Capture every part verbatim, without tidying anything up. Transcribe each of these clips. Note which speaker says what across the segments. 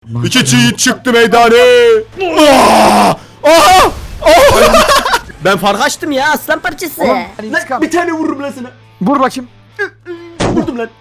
Speaker 1: İki çiğit çıktı meydane. Aa! Aha! Aha! Ben fark açtım ya aslan parçası.
Speaker 2: Oğlum,
Speaker 1: Lan bir tane vururum lan sana.
Speaker 2: Vur bakayım.
Speaker 1: Vurdum lan.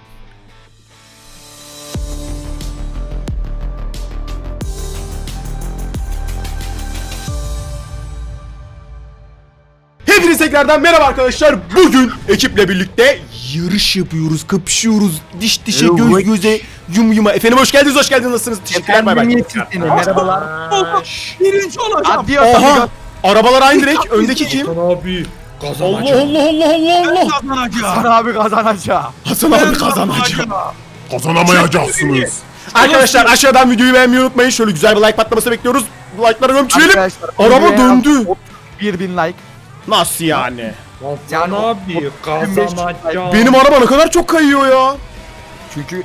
Speaker 1: Hepinize tekrardan merhaba arkadaşlar. Bugün ekiple birlikte yarış yapıyoruz, kapışıyoruz. Diş dişe, göz göze, yum yuma. Efendim hoş geldiniz, hoş geldiniz. Nasılsınız? Teşekkürler, bay bay.
Speaker 2: Merhabalar.
Speaker 3: Birinci olacağım.
Speaker 2: Adios
Speaker 1: Oha!
Speaker 2: amigo.
Speaker 1: Arabalar aynı renk. Öndeki kim?
Speaker 4: Hasan abi
Speaker 1: Allah
Speaker 4: kazanacağım.
Speaker 1: Allah Allah Allah Allah.
Speaker 3: Kazanacağım.
Speaker 2: Hasan abi kazanacak.
Speaker 1: Hasan abi kazanacak.
Speaker 5: Kazanamayacaksınız.
Speaker 1: Arkadaşlar aşağıdan videoyu beğenmeyi unutmayın. Şöyle güzel bir like patlaması bekliyoruz. Like'ları gömçürelim.
Speaker 2: Arkadaşlar,
Speaker 1: Araba
Speaker 2: videoya
Speaker 1: döndü.
Speaker 2: otuz bir bin like.
Speaker 1: Nasıl yani?
Speaker 4: Hasan abi kazanacağım.
Speaker 1: Benim araba ne kadar çok kayıyor ya.
Speaker 2: Çünkü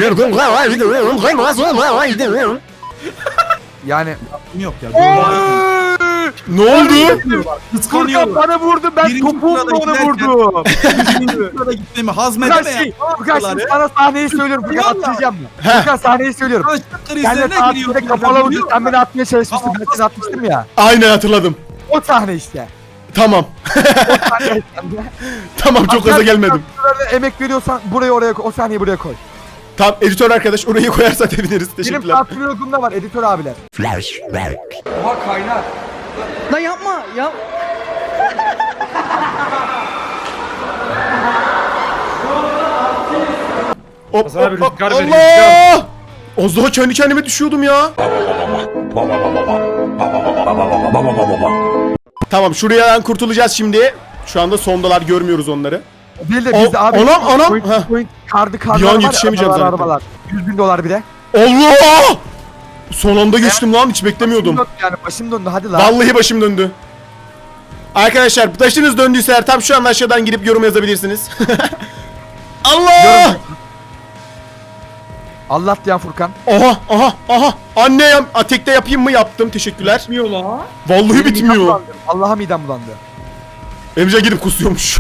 Speaker 2: yani
Speaker 3: Yok ya.
Speaker 1: Ne oldu?
Speaker 2: Furkan
Speaker 3: Kıskanıyorum.
Speaker 2: bana vurdu, ben
Speaker 3: Birinci
Speaker 2: topuğumla
Speaker 3: sırada
Speaker 2: onu
Speaker 3: giderken-
Speaker 2: vurdum.
Speaker 3: Burada gitmemi
Speaker 2: Furkan
Speaker 3: hazmedeme
Speaker 2: şey,
Speaker 3: ya.
Speaker 2: Furkan şimdi sana sahneyi söylüyorum. Furkan
Speaker 3: Yallah.
Speaker 2: atlayacağım mı?
Speaker 1: Heh.
Speaker 2: Furkan sahneyi söylüyorum.
Speaker 3: Açlık
Speaker 2: Sen de
Speaker 3: krizlerine
Speaker 2: saatinde
Speaker 3: giriyorum.
Speaker 2: kapalı vurdun, sen beni atmaya çalışmıştın, ben seni atmıştım ya.
Speaker 1: Aynen hatırladım.
Speaker 2: O sahne işte.
Speaker 1: Tamam.
Speaker 2: O sahne işte.
Speaker 1: Tamam çok gaza gelmedim.
Speaker 2: Şuralarda emek veriyorsan burayı oraya koy, o sahneyi buraya koy.
Speaker 1: Tamam editör arkadaş orayı koyarsa seviniriz.
Speaker 2: Benim
Speaker 1: Teşekkürler.
Speaker 2: patronumda var editör abiler.
Speaker 6: Lan yapma yap.
Speaker 1: Hop,
Speaker 4: Hasan abi
Speaker 1: hop, hop.
Speaker 4: rüzgar veriyor,
Speaker 1: Allah! Az daha kendi kendime düşüyordum ya. Tamam şuradan kurtulacağız şimdi. Şu anda sondalar görmüyoruz onları.
Speaker 2: Bir de
Speaker 1: O-
Speaker 2: bizde abi.
Speaker 1: anam, anam.
Speaker 2: Point,
Speaker 1: Heh.
Speaker 2: point, kardı kardı.
Speaker 1: Bir an
Speaker 2: arabalar,
Speaker 1: yetişemeyeceğim
Speaker 2: arabalar,
Speaker 1: zaten.
Speaker 2: arabalar. yüz bin dolar bir de.
Speaker 1: Allah! Son anda geçtim lan hiç beklemiyordum.
Speaker 2: Başım döndü yani başım döndü hadi lan.
Speaker 1: Vallahi başım döndü. Arkadaşlar başınız döndüyse eğer tam şu an aşağıdan girip yorum yazabilirsiniz. Allah!
Speaker 2: Allah diyen Furkan.
Speaker 1: Aha aha aha. Anne ya a, tekte yapayım mı? Yaptım. Teşekkürler.
Speaker 4: Bitmiyor la.
Speaker 1: Vallahi
Speaker 2: Benim midem
Speaker 1: bitmiyor.
Speaker 2: bulandı. Allah'a midem bulandı.
Speaker 1: Emre gidip kusuyormuş.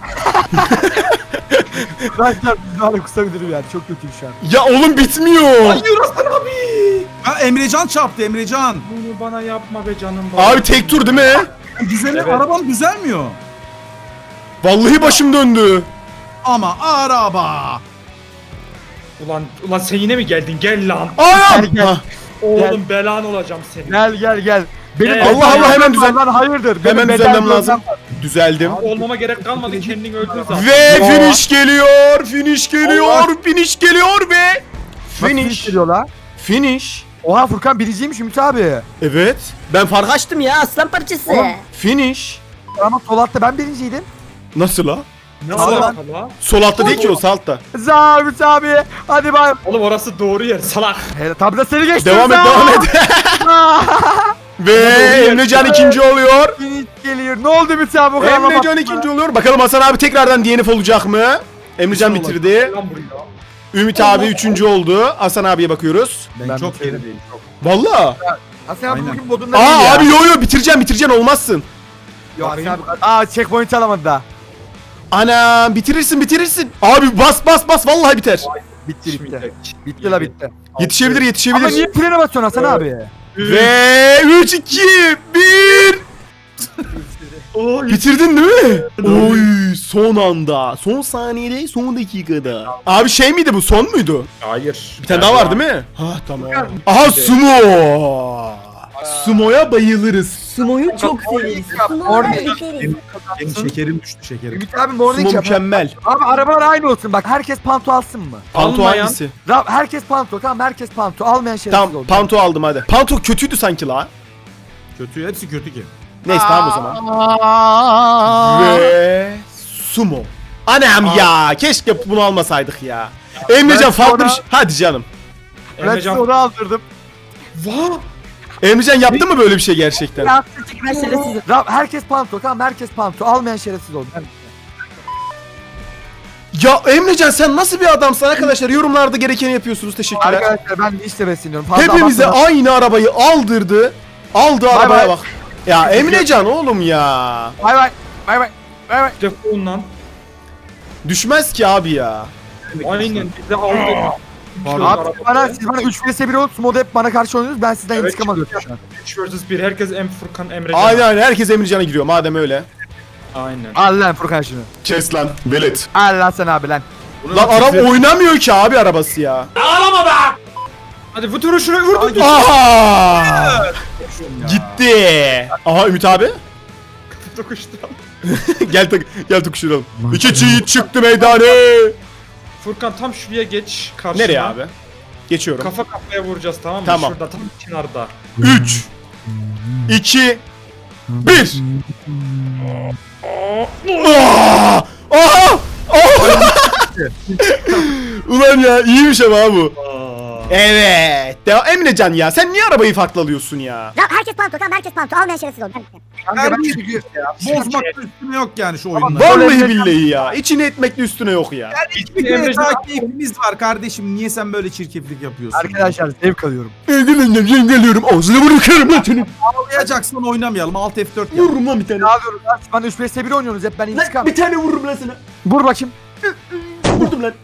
Speaker 2: Arkadaşlar bizlerle kusabilirim yani çok kötüyüm şu an.
Speaker 1: Ya oğlum bitmiyor.
Speaker 3: Ha Emrecan çarptı Emrecan.
Speaker 4: Bunu bana yapma be canım.
Speaker 1: Abi tek tur değil mi?
Speaker 3: Güzel
Speaker 4: Evet.
Speaker 3: arabam düzelmiyor.
Speaker 1: Vallahi başım döndü.
Speaker 3: Ama araba.
Speaker 4: Ulan ulan sen yine mi geldin? Gel lan.
Speaker 1: Anam!
Speaker 2: Gel, gel.
Speaker 1: Hah,
Speaker 4: Oğlum belan olacağım senin.
Speaker 2: Gel gel gel. Benim
Speaker 4: Evet.
Speaker 1: Allah Allah, hemen düzel-
Speaker 2: Lan hayırdır. Benim
Speaker 1: Hemen
Speaker 2: bedel
Speaker 1: düzelmem
Speaker 2: bölgem
Speaker 1: lazım.
Speaker 2: var.
Speaker 1: Düzeldim.
Speaker 4: Olmama gerek kalmadı kendin öldün zaten.
Speaker 1: Ve finish geliyor. Finish geliyor. Finish geliyor ve
Speaker 2: Nasıl finish
Speaker 1: finish.
Speaker 2: geliyor la?
Speaker 1: Finish.
Speaker 2: Oha Furkan biriciymiş Ümit abi.
Speaker 1: Evet. Ben fark açtım.
Speaker 7: Açtım ya aslan parçası.
Speaker 2: Oğlum.
Speaker 1: Finish.
Speaker 2: Ama sol altta ben birinciydim.
Speaker 1: Nasıl la?
Speaker 4: Ne
Speaker 2: Sağ ol
Speaker 4: alaka la?
Speaker 1: Sol altta değil ki o sağ altta.
Speaker 2: Za Ümit abi. Hadi bay.
Speaker 4: Oğlum orası doğru yer salak.
Speaker 2: Hele tabi de seni geçtim.
Speaker 1: Devam et
Speaker 2: Za.
Speaker 1: devam et. Ve Emrecan ikinci oluyor.
Speaker 2: Finish geliyor. Ne oldu Ümit abi o kadar laf
Speaker 1: Emrecan
Speaker 2: attın
Speaker 1: ikinci
Speaker 2: mı?
Speaker 1: oluyor. Bakalım Hasan abi tekrardan D N F olacak mı? Emrecan
Speaker 3: İnşallah.
Speaker 1: bitirdi.
Speaker 4: Lan buraya.
Speaker 1: Ümit abi üçüncü oldu. Hasan abiye bakıyoruz.
Speaker 3: Ben,
Speaker 2: Ben
Speaker 3: çok
Speaker 2: bitirdim.
Speaker 3: gerideyim. Çok.
Speaker 1: Valla.
Speaker 2: Hasan abi
Speaker 3: Aynen.
Speaker 2: bugün modunda değil
Speaker 1: Aa
Speaker 2: ya.
Speaker 1: abi yo yo bitireceğim bitireceğim olmazsın.
Speaker 2: Yok Hasan abi. Aa checkpoint alamadı daha.
Speaker 1: Ana bitirirsin bitirirsin. Abi bas bas bas vallahi biter.
Speaker 2: Bitti bitti.
Speaker 4: Şimdi-
Speaker 2: Bitti la bitti.
Speaker 1: Yetişebilir
Speaker 2: Ama
Speaker 1: yetişebilir.
Speaker 2: niye frene basıyorsun Hasan abi?
Speaker 1: Ve üç iki bir.
Speaker 4: Oy.
Speaker 1: Bitirdin değil mi? Oy son anda. Son saniyede son dakikada. Abi şey miydi bu son muydu?
Speaker 4: Hayır.
Speaker 1: Bir tane daha var değil mi? Ha tamam. Aha sumo. Sumo'ya bayılırız.
Speaker 7: Sumo'yu çok severiz.
Speaker 2: Orada-
Speaker 3: Benim şekerim düştü şekerim.
Speaker 2: Ümit abi morning
Speaker 1: Sumo
Speaker 2: yap.
Speaker 1: mükemmel.
Speaker 2: Abi arabalar aynı olsun bak herkes panto alsın mı?
Speaker 1: Panto
Speaker 4: Almayan-
Speaker 1: hangisi?
Speaker 2: Ra herkes panto tamam herkes panto almayan şerefsiz
Speaker 1: Tamam
Speaker 2: oldu.
Speaker 1: panto aldım hadi. Panto kötüydü sanki la.
Speaker 3: Kötü hepsi kötü ki.
Speaker 1: Neyse tamam o zaman. Ve sumo. Anam ya keşke bunu almasaydık ya. Emrecan
Speaker 2: Ben
Speaker 1: farklı
Speaker 2: sonra-
Speaker 1: bir şey. Hadi canım.
Speaker 2: Ben size
Speaker 4: Emrecan.
Speaker 2: onu aldırdım.
Speaker 1: Emrecan yaptı mı böyle bir şey gerçekten?
Speaker 7: Ben şerefsizim.
Speaker 2: Ra herkes panto tamam herkes panto almayan şerefsiz oldu. Ben-
Speaker 1: Ya Emrecan sen nasıl bir adamsın arkadaşlar? Yorumlarda gerekeni yapıyorsunuz. Teşekkürler.
Speaker 2: Arkadaşlar ben işte besleniyorum. Fazla
Speaker 1: Hepimize
Speaker 2: abartmadan-
Speaker 1: aynı arabayı aldırdı. Aldı
Speaker 2: Bay
Speaker 1: arabaya
Speaker 2: bay.
Speaker 1: bak. Ya Emrecan oğlum ya.
Speaker 2: Bay bay. Bay bay. Bay bay.
Speaker 4: Defol lan.
Speaker 1: Düşmez ki abi ya.
Speaker 4: Aynen bizi aldı.
Speaker 3: Pardon.
Speaker 2: Abi siz bana, siz bana üç vs bir olup moda hep bana karşı oynuyorsunuz. Ben sizden
Speaker 4: Evet.
Speaker 2: intikam alıyorum şu an.
Speaker 4: üç vs bir. Herkes Em Furkan Emrecan.
Speaker 1: Aynen aynen herkes Emrecan'a giriyor madem öyle.
Speaker 4: Aynen.
Speaker 2: Al lan Furkan şunu.
Speaker 5: Kes lan velet.
Speaker 2: Al lan sen abi lan.
Speaker 1: Lan araba oynamıyor ki abi arabası ya.
Speaker 4: Hadi bu turu şuraya vurdum.
Speaker 1: Aha! Gitti. Aha Ümit abi.
Speaker 4: Dokuştu.
Speaker 1: gel tak gel tukuşturalım. İki çiğit çıktı meydana.
Speaker 4: Furkan tam şuraya geç karşıma.
Speaker 1: Nereye abi? Geçiyorum.
Speaker 4: Kafa kafaya vuracağız tamam mı?
Speaker 1: Tamam.
Speaker 4: Şurada tam kenarda.
Speaker 1: üç iki bir Aha! Aha! Ulan ya iyiymiş ama ha bu. Evet. Devam. Emrecan ya sen niye arabayı farklı alıyorsun ya?
Speaker 7: Ya herkes panto tamam herkes panto almayan şerefsiz oldu.
Speaker 2: Kanka ben çünkü
Speaker 3: Bozmakta üstüne yok yani şu oyunda.
Speaker 1: Vallahi billahi ya. İçine etmekle üstüne yok ya.
Speaker 3: Bir kere daha keyfimiz var kardeşim. Niye sen böyle çirkeflik yapıyorsun?
Speaker 2: arkadaşlar zevk alıyorum.
Speaker 1: Geliyorum geliyorum ağzına bırakıyorum lan seni.
Speaker 3: Ağlayacaksan oynamayalım. Alt F dört yap.
Speaker 1: Vururum lan bir tane.
Speaker 2: Ne yapıyoruz lan? Siz bana üç vs bir oynuyorsunuz hep ben intikam.
Speaker 1: Bir tane vururum lan sana.
Speaker 2: Vur bakayım.
Speaker 1: Vurdum lan.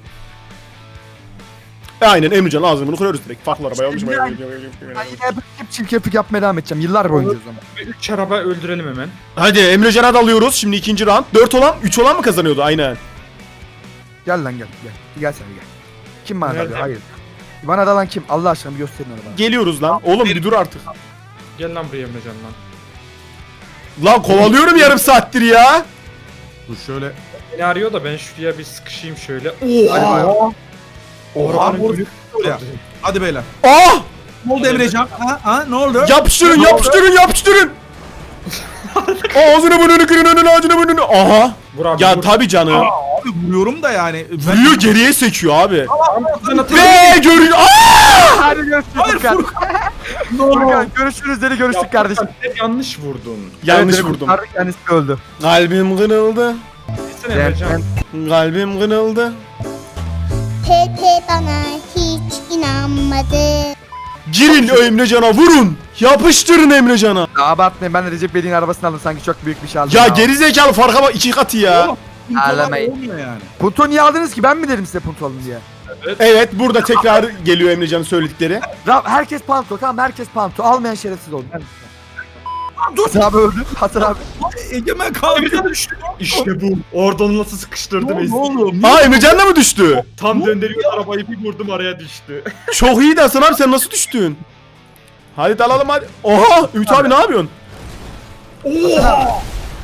Speaker 1: Aynen Emrecan ağzını bunu kırıyoruz direkt. Farklı arabaya almış.
Speaker 2: Ben yine hep, hep çirkeflik yapmaya devam edeceğim. Yıllar boyunca o zaman.
Speaker 4: Ve üç araba öldürelim hemen.
Speaker 1: Hadi Emrecan'a dalıyoruz. Şimdi ikinci round. dört olan üç olan mı kazanıyordu? Aynen.
Speaker 2: Gel lan gel gel. Gel sen gel. Kim bana
Speaker 4: Nerede?
Speaker 2: dalıyor? Hayır. Bana dalan kim? Allah aşkına bir gösterin arabayı.
Speaker 1: Geliyoruz lan. Oğlum bir dur artık.
Speaker 4: Gel lan buraya Emrecan lan.
Speaker 1: Lan kovalıyorum yarım saattir ya.
Speaker 3: Dur şöyle.
Speaker 4: Beni arıyor da ben şuraya bir sıkışayım şöyle.
Speaker 2: Hadi bakalım.
Speaker 3: Oha vur. Buraya. Hadi beyler.
Speaker 1: Ah!
Speaker 3: Ne oldu Emrecan? Ha ha ne oldu?
Speaker 1: Yapıştırın yapıştırın yapıştırın. Ağzını burnunu kırın önünü ağzını burnunu. Aha.
Speaker 4: Vur abi
Speaker 1: Ya
Speaker 4: vur.
Speaker 1: tabi canım.
Speaker 3: Abi vuruyorum da yani. Ben...
Speaker 1: Vuruyor geriye sekiyor abi.
Speaker 4: Sana
Speaker 1: Ve görün. Aa!
Speaker 2: Hadi görüşürüz Furkan. Furkan görüşürüz dedi görüştük kardeşim.
Speaker 4: Sen yanlış vurdun.
Speaker 1: Yanlış
Speaker 2: Evet,
Speaker 1: vurdum.
Speaker 2: kurtardık, kendisi öldü.
Speaker 1: Kalbim kırıldı.
Speaker 4: Gitsene Emrecan.
Speaker 1: Kalbim kırıldı.
Speaker 8: Pepe bana hiç inanmadı.
Speaker 1: Girin o Emrecan'a vurun. Yapıştırın Emrecan'a.
Speaker 2: Ya abartmayın ben de Recep Bey'in arabasını aldım sanki çok büyük bir şey aldım.
Speaker 1: Ya gerizekalı farka bak iki katı ya.
Speaker 2: Ağlamayın.
Speaker 3: Olmuyor yani.
Speaker 2: Punto niye aldınız ki ben mi dedim size punto alın diye.
Speaker 1: Evet burada tekrar geliyor Emrecan'ın söyledikleri.
Speaker 2: Rab herkes panto tamam herkes panto almayan şerefsiz oldu. Hasan abi öldü. Hasan abi.
Speaker 3: Egemen kaldı.
Speaker 4: İşte bu. Oradan nasıl sıkıştırdım
Speaker 3: Ne
Speaker 4: Ezgi.
Speaker 3: oluyor?
Speaker 1: Aa Emrecan da mı düştü?
Speaker 4: Tam döndürüyor arabayı bir vurdum araya düştü.
Speaker 1: Çok iyiydi Hasan abi sen nasıl düştün? Hadi dalalım hadi. Oha Ümit abi ne yapıyorsun? Oha!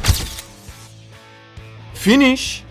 Speaker 1: Finish.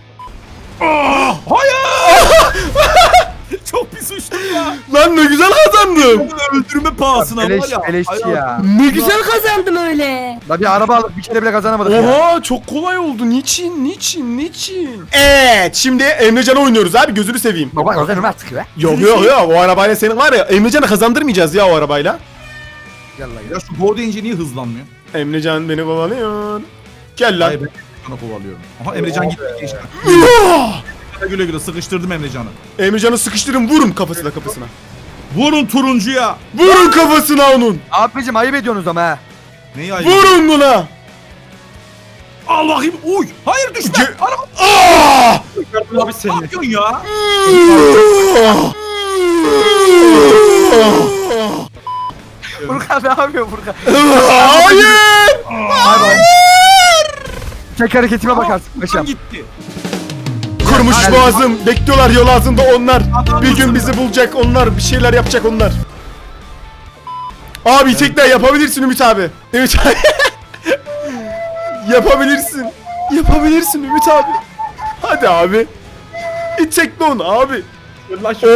Speaker 3: Çok pis uçtum ya.
Speaker 1: Lan ne güzel kazandım.
Speaker 3: Öldürme pahasına
Speaker 2: Beleş,
Speaker 3: var ya.
Speaker 2: beleşçi ya.
Speaker 1: Ne güzel.
Speaker 7: Kazandım öyle.
Speaker 2: La bir araba alıp bir kere bile kazanamadık ya.
Speaker 1: Oha çok kolay oldu. Niçin? Niçin? Niçin? Evet şimdi Emrecan'ı oynuyoruz abi gözünü seveyim.
Speaker 2: Baba kazanım artık be.
Speaker 1: Yok yok yok o arabayla senin var ya Emrecan'ı kazandırmayacağız ya o arabayla.
Speaker 2: Gel la gel.
Speaker 3: Ya şu Go deyince niye hızlanmıyor?
Speaker 1: Emrecan beni kovalıyor. Gel lan.
Speaker 3: Hayır ben Emrecan'ı kovalıyorum. Aha Emrecan gitti işte. Güle güle sıkıştırdım Emrecan'ı.
Speaker 1: Emrecan'ı sıkıştırın vurun kafasına kafasına.
Speaker 3: Vurun turuncuya.
Speaker 1: Vurun kafasına onun.
Speaker 2: Abicim ayıp ediyorsunuz ama ha.
Speaker 3: Neyi ayı?
Speaker 1: Vurun buna.
Speaker 3: Al bakayım. Uy. Hayır düşme.
Speaker 1: Ge-
Speaker 3: Araba
Speaker 1: Aa!
Speaker 4: Çıkardım abi
Speaker 3: ne
Speaker 4: seni.
Speaker 3: yapıyorsun ya?
Speaker 2: Furkan ne yapıyor Furkan?
Speaker 1: Hayır!
Speaker 2: Tek hareketime bakarsın paşam.
Speaker 3: Lan gitti.
Speaker 1: Kurmuş
Speaker 2: Hayır.
Speaker 1: boğazım. Bekliyorlar yol ağzında onlar. Bir gün bizi bulacak onlar. Bir şeyler yapacak onlar. Abi tekrar yapabilirsin Ümit abi. Ümit abi. Yapabilirsin. Yapabilirsin Ümit abi. Hadi abi. İçecek onu abi.
Speaker 4: Lan şu-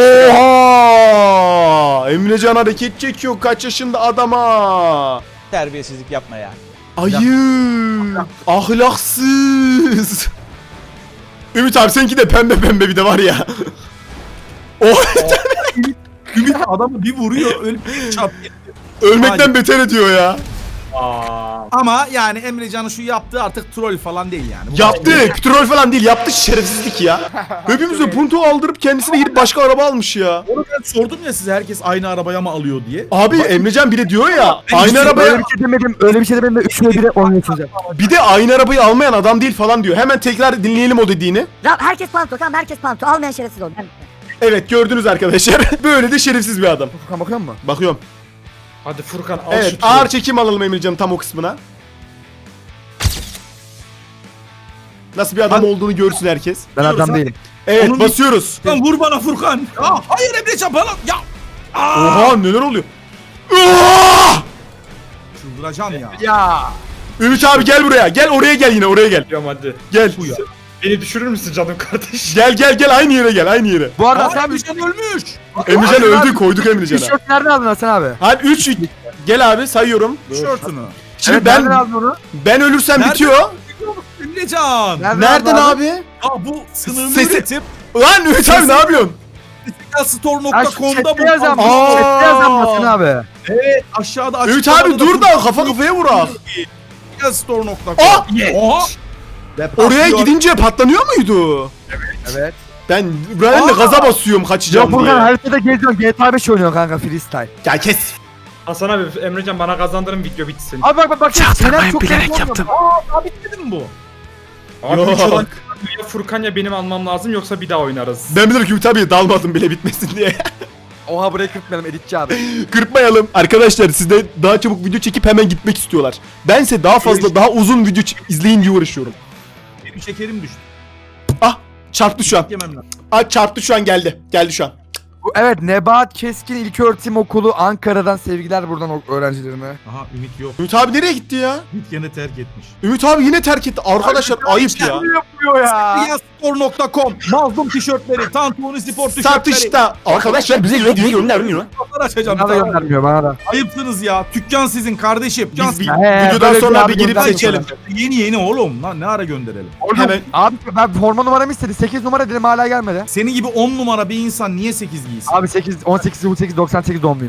Speaker 1: Oha! Emrecan hareket çekiyor kaç yaşında adama.
Speaker 9: Terbiyesizlik yapma ya.
Speaker 1: Ayıp. Ahlaksız. Ümit abi seninki de pembe pembe bir de var ya. Oh,
Speaker 3: Ümit adamı bir vuruyor. Ölüp çat.
Speaker 1: ölmekten beter ediyor ya.
Speaker 4: Aa.
Speaker 3: Ama yani Emrecan'ın şu yaptığı artık troll falan değil yani. Bu
Speaker 1: Yaptı. Troll falan değil. Yaptı şerefsizlik ya. Hepimize punto aldırıp kendisine gidip başka araba almış ya.
Speaker 3: Onu ben sordum ya size herkes aynı arabaya mı alıyor diye.
Speaker 1: Abi Emrecan bir de diyor ya
Speaker 3: Ben
Speaker 1: aynı
Speaker 3: hiç-
Speaker 2: Öyle
Speaker 1: arabaya
Speaker 2: bir şey demedim. Öyle bir şey demedim de üçüne bire oynuyorsunuz ya.
Speaker 1: bir de aynı arabayı almayan adam değil falan diyor. Hemen tekrar dinleyelim o dediğini.
Speaker 7: Ya herkes panto tamam herkes panto almayan şerefsiz oldu.
Speaker 1: Evet gördünüz arkadaşlar. Böyle de şerefsiz bir adam.
Speaker 2: Furkan bakıyor musun?
Speaker 1: Bakıyorum.
Speaker 4: Hadi Furkan al
Speaker 1: Evet
Speaker 4: şu turu.
Speaker 1: ağır çekim alalım Emrecan'ın tam o kısmına. Nasıl bir adam olduğunu görsün herkes.
Speaker 2: Ben adam değilim.
Speaker 1: Evet
Speaker 3: Onun-
Speaker 1: basıyoruz.
Speaker 3: Lan vur bana Furkan. Ya hayır Emrecan bana. Ya. Aa!
Speaker 1: Oha neler oluyor? Aa!
Speaker 3: Çıldıracağım ya.
Speaker 2: Ya.
Speaker 1: Ümit abi gel buraya. Gel oraya gel yine oraya gel.
Speaker 4: Geliyorum hadi.
Speaker 1: Gel.
Speaker 3: Bu ya.
Speaker 4: Beni düşürür müsün canım kardeş?
Speaker 1: Gel gel gel aynı yere gel aynı yere.
Speaker 2: Bu arada
Speaker 3: Aa,
Speaker 2: Hasan abi
Speaker 3: Emrecan ölmüş.
Speaker 1: Emrecan
Speaker 2: Abi,
Speaker 1: öldü
Speaker 2: abi,
Speaker 1: koyduk Emrecan'a.
Speaker 2: tişört nereden aldın Hasan abi?
Speaker 1: Hadi üç gel abi sayıyorum.
Speaker 3: Tişörtünü.
Speaker 1: Şimdi
Speaker 2: Evet,
Speaker 1: ben
Speaker 2: nereden aldın onu?
Speaker 1: ben ölürsem
Speaker 3: Nerede?
Speaker 1: bitiyor.
Speaker 3: Emrecan.
Speaker 1: Nereden
Speaker 2: aldın
Speaker 1: abi?
Speaker 3: Ya bu sınırlı
Speaker 1: Sesi-
Speaker 3: üretim.
Speaker 1: Lan Ümit abi ne yapıyorsun?
Speaker 3: store
Speaker 2: Ya
Speaker 3: nokta
Speaker 2: şu
Speaker 3: com'da
Speaker 2: chatte
Speaker 3: bu.
Speaker 2: yazan,
Speaker 1: Aa.
Speaker 2: chatte yazan Hasan abi.
Speaker 3: Evet aşağıda
Speaker 1: Ümit
Speaker 3: açıklamada
Speaker 1: abi dur da kafa kafaya vurak.
Speaker 3: store nokta com.
Speaker 1: Aa!
Speaker 3: Oha.
Speaker 1: Oraya gidince patlanıyor muydu?
Speaker 2: Evet.
Speaker 1: Ben ben de
Speaker 3: Aa!
Speaker 1: gaza basıyorum
Speaker 2: Ya
Speaker 1: kaçacağım
Speaker 2: Furkan
Speaker 1: diye.
Speaker 2: haritada geziyorsun. G T A beş oynuyorsun kanka freestyle.
Speaker 1: Ya kes.
Speaker 4: Hasan abi Emrecan bana kazandırın video bitsin.
Speaker 2: Abi bak bak bak. Senem çok bilerek yaptım.
Speaker 3: Aa bitmedi mi bu?
Speaker 4: Abi
Speaker 1: Yok.
Speaker 4: üç olan ya Furkan ya benim almam lazım yoksa bir daha oynarız.
Speaker 1: Ben bilirim ki Ümit abiye dalmadım bile bitmesin diye.
Speaker 2: Oha buraya kırpmayalım editçi abi.
Speaker 1: Kırpmayalım. Arkadaşlar siz de daha çabuk video çekip hemen gitmek istiyorlar. Bense daha fazla daha uzun video ç- izleyin diye uğraşıyorum.
Speaker 3: Benim şekerim düştü.
Speaker 1: Ah çarptı şu an.
Speaker 3: Yemem lazım.
Speaker 1: Ah çarptı şu an geldi. Geldi şu an.
Speaker 2: Bu, evet Nebahat Keskin İlköğretim Okulu Ankara'dan sevgiler buradan o- öğrencilerime.
Speaker 3: Aha Ümit yok.
Speaker 1: Ümit abi nereye gitti ya?
Speaker 3: Ümit gene terk etmiş.
Speaker 1: Ümit abi yine terk etti. Arkadaşlar ayıp ya.
Speaker 2: yapıyor ya?
Speaker 3: store nokta com Mazlum tişörtleri, Tantuni spor tişörtleri.
Speaker 1: Satışta. Arkadaşlar bize video göndermiyor.
Speaker 3: Fotoğraf açacağım.
Speaker 2: Bana da göndermiyor bana da.
Speaker 3: Ayıpsınız ya. Dükkan sizin kardeşim. Dükkan
Speaker 1: Biz bir
Speaker 2: He,
Speaker 1: videodan
Speaker 2: böyle
Speaker 1: sonra
Speaker 2: bir
Speaker 1: bir girip
Speaker 2: abi
Speaker 1: seçelim.
Speaker 3: yeni yeni oğlum. Lan ne ara gönderelim?
Speaker 2: Oğlum,
Speaker 1: Hemen-
Speaker 2: Abi ben forma numaramı istedi. sekiz numara dedim hala gelmedi.
Speaker 3: Senin gibi on numara bir insan niye sekiz giysin?
Speaker 2: Abi sekiz on sekiz on sekiz doksan sekiz doğumluyum.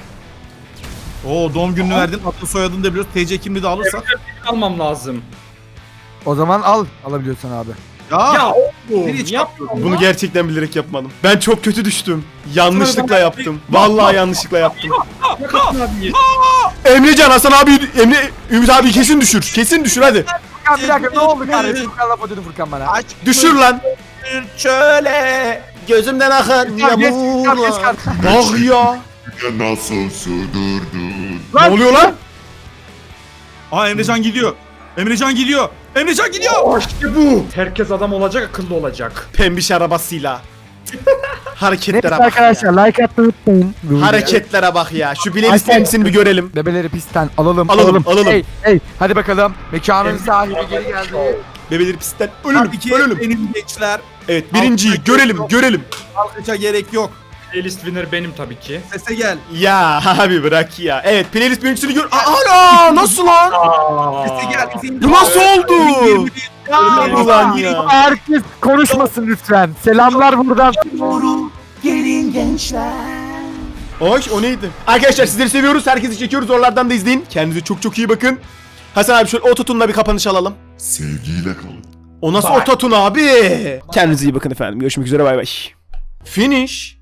Speaker 3: Oo doğum gününü verdin. Adını soyadını da biliyoruz. T C kimliği de alırsak.
Speaker 4: Benim almam lazım.
Speaker 2: O zaman al alabiliyorsan abi.
Speaker 3: Ya.
Speaker 4: Ya oğlum
Speaker 3: Biri hiç
Speaker 4: yapma.
Speaker 1: Bunu gerçekten bilerek yapmadım. Ben çok kötü düştüm. Yanlışlıkla yaptım. Vallahi yanlışlıkla yaptım.
Speaker 4: Abi.
Speaker 1: Emrecan Hasan abi Emre Ümit abi kesin düşür. Kesin düşür hadi.
Speaker 2: Furkan bir dakika ne oldu kardeşim? Furkan laf ödedi Furkan bana.
Speaker 1: Düşür lan. Şöyle gözümden akan
Speaker 2: Geç, geç, geç,
Speaker 1: yağmurlar.
Speaker 2: geç, geç.
Speaker 1: Bak ya.
Speaker 5: Nasıl sürdürdün?
Speaker 1: Ne oluyor lan?
Speaker 3: Aa Emrecan gidiyor. Emrecan gidiyor. Emrecan gidiyor.
Speaker 4: Oh, işte bu. Herkes adam olacak, akıllı olacak.
Speaker 1: Pembiş arabasıyla. Hareketlere
Speaker 2: Neyse
Speaker 1: bak
Speaker 2: arkadaşlar like atmayı unutmayın.
Speaker 1: ya. Hareketlere bak ya. Şu playlist kendisini bir görelim.
Speaker 2: Bebeleri pistten alalım
Speaker 1: Alalım, alalım.
Speaker 2: Hey hey hadi bakalım. Mekanın sahibi geri geldi.
Speaker 1: Bebeleri pistten ölülüm,
Speaker 3: Tabii ki
Speaker 1: ölülüm.
Speaker 3: benim gençler.
Speaker 1: Evet birinciyi görelim, görelim.
Speaker 3: Alkışa gerek yok.
Speaker 4: Playlist winner benim tabii ki.
Speaker 3: Sese gel.
Speaker 1: Ya abi bırak ya. Evet playlist birincisini gör. Aa, ana nasıl lan?
Speaker 3: Sese gel. Sese
Speaker 1: Bu nasıl oldu?
Speaker 3: Ya,
Speaker 1: Ulan ya.
Speaker 2: Herkes konuşmasın lütfen. Selamlar buradan.
Speaker 1: Oy o neydi? Arkadaşlar sizleri seviyoruz. Herkesi çekiyoruz. Oralardan da izleyin. Kendinize çok çok iyi bakın. Hasan abi şöyle ototunla bir kapanış alalım.
Speaker 5: Sevgiyle kalın.
Speaker 1: O nasıl ototun abi? Kendinize iyi bakın efendim. Görüşmek üzere bay bay. Finish.